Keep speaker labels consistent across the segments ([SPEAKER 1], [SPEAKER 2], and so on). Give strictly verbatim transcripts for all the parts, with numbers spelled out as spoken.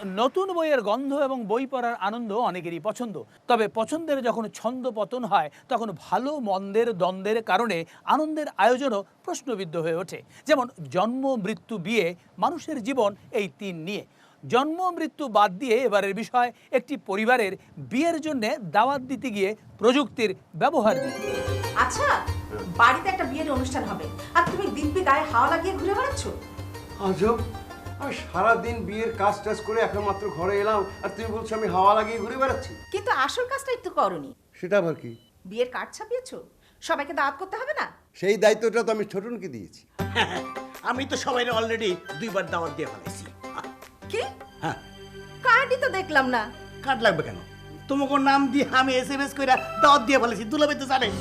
[SPEAKER 1] নতুন বইয়ের গন্ধ এবং বই পড়ার আনন্দ অনেকেরই পছন্দ, তবে পছন্দের যখন ছন্দ পতন হয় তখন ভালো মন্দের দ্বন্দ্বের কারণে আনন্দের আয়োজনও প্রশ্নবিদ্ধ হয়ে ওঠে। যেমন জন্ম, মৃত্যু, বিয়ে, মানুষের জীবন, এই তিন নিয়ে। জন্ম মৃত্যু বাদ দিয়ে এবারের বিষয় একটি পরিবারের বিয়ের জন্য দাওয়াত দিতে গিয়ে প্রযুক্তির ব্যবহার নিয়ে।
[SPEAKER 2] আচ্ছা, বাড়িতে একটা বিয়ের অনুষ্ঠান হবে আর তুমি দিব্যি গায়ে হাওয়া লাগিয়ে ঘুরে বেড়াচ্ছ।
[SPEAKER 3] আজব, আমি সারাদিন বিয়ের কাজ টাজ করে এখন মাত্র ঘরে এলাম আর তুমি বলছো আমি হাওয়া লাগিয়ে ঘুরে বেড়াচ্ছি।
[SPEAKER 2] কিন্তু আসল কাজটা একটু করনি।
[SPEAKER 3] সেটা আবার কি?
[SPEAKER 2] বিয়ের কার্ড ছাপিয়েছো, সবাইকে দাওয়াত করতে হবে না?
[SPEAKER 3] সেই দায়িত্বটা তো আমি ছোটনকে দিয়েছি।
[SPEAKER 4] আমি তো সবাই অলরেডি দুইবার দাওয়াত দিয়ে ফেলেছি।
[SPEAKER 2] কি?
[SPEAKER 4] হ্যাঁ,
[SPEAKER 2] কার্ডই তো দেখলাম না।
[SPEAKER 4] কার্ড লাগবে কেন? তোমাকে নাম দিয়ে আমি এস এম এস করে দাওয়াত দিয়ে ফেলেছি, দুলাভাই তো জানে।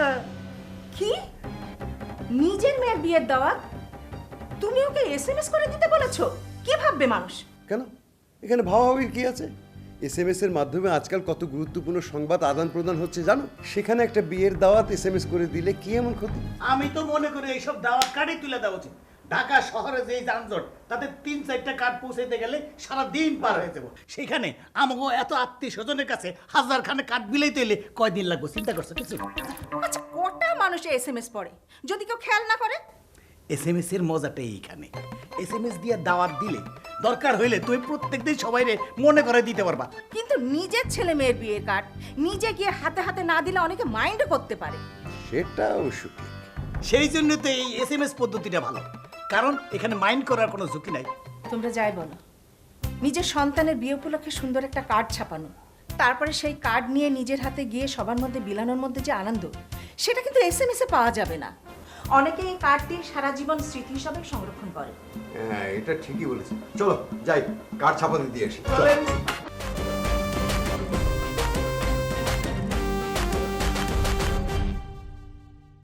[SPEAKER 2] কি? নিজের মেয়ের বিয়ের দাওয়াত তুমি ওকে এস এম এস করে দিতে বলেছো? কি ভাববে মানুষ?
[SPEAKER 3] কেন, এখানে ভাবাভাবির কি আছে? এস এম এস এর মাধ্যমে আজকাল কত গুরুত্বপূর্ণ সংবাদ আদান প্রদান হচ্ছে জানো? সেখানে একটা বিয়ের দাওয়াত এস এম এস করে দিলে কি এমন ক্ষতি?
[SPEAKER 4] আমি তো মনে করি এইসব দাওয়াত কার্ডই তুলে দেওয়া উচিত। ঢাকা শহরে যে যানজট, তাতে তিন চারটা কার্ড পৌঁছাইতে গেলে সারা দিন পার হয়ে যাবো। সেখানে আমাকে এত আত্মীয় স্বজনের কাছে হাজার খানে কার্ড বিলাইতে এলে কয়দিন লাগবে চিন্তা করছো কিছু?
[SPEAKER 2] আচ্ছা, কটা মানুষ এস এম এস পড়ে যদি কেউ খেয়াল না করে?
[SPEAKER 4] এস এম এস এর মজাটাই এইখানে। এস এম এস দিয়ে দাওয়াত দিলে দরকার হইলে তুই প্রত্যেকদিন সবাইরে মনে করে দিতে পারবা।
[SPEAKER 2] কিন্তু নিজের ছেলে মেয়ের বিয়ের কার্ড নিজে গিয়ে হাতে হাতে না দিলে অনেকে মাইন্ড করতে পারে।
[SPEAKER 3] সেটা অবশ্য ঠিক।
[SPEAKER 4] সেই জন্য তো এই এস এম এস পদ্ধতিটা ভালো, কারণ এখানে মাইন্ড করার কোনো ঝুঁকি নাই।
[SPEAKER 2] তোমরা যাই বলো, নিজের সন্তানের বিয়ে উপলক্ষে সুন্দর একটা কার্ড ছাপানো, তারপরে সেই কার্ড নিয়ে নিজের হাতে গিয়ে সবার মধ্যে বিলানোর মধ্যে যে আনন্দ, সেটা কিন্তু এস এম এস এ পাওয়া যাবে না। অনেকে এই কার্ডটি সারা জীবন স্মৃতি হিসাবে সংরক্ষণ করে।
[SPEAKER 3] হ্যাঁ, এটা ঠিকই বলেছি। চলো যাই, কার্ড ছাপাতে দিয়ে আসি।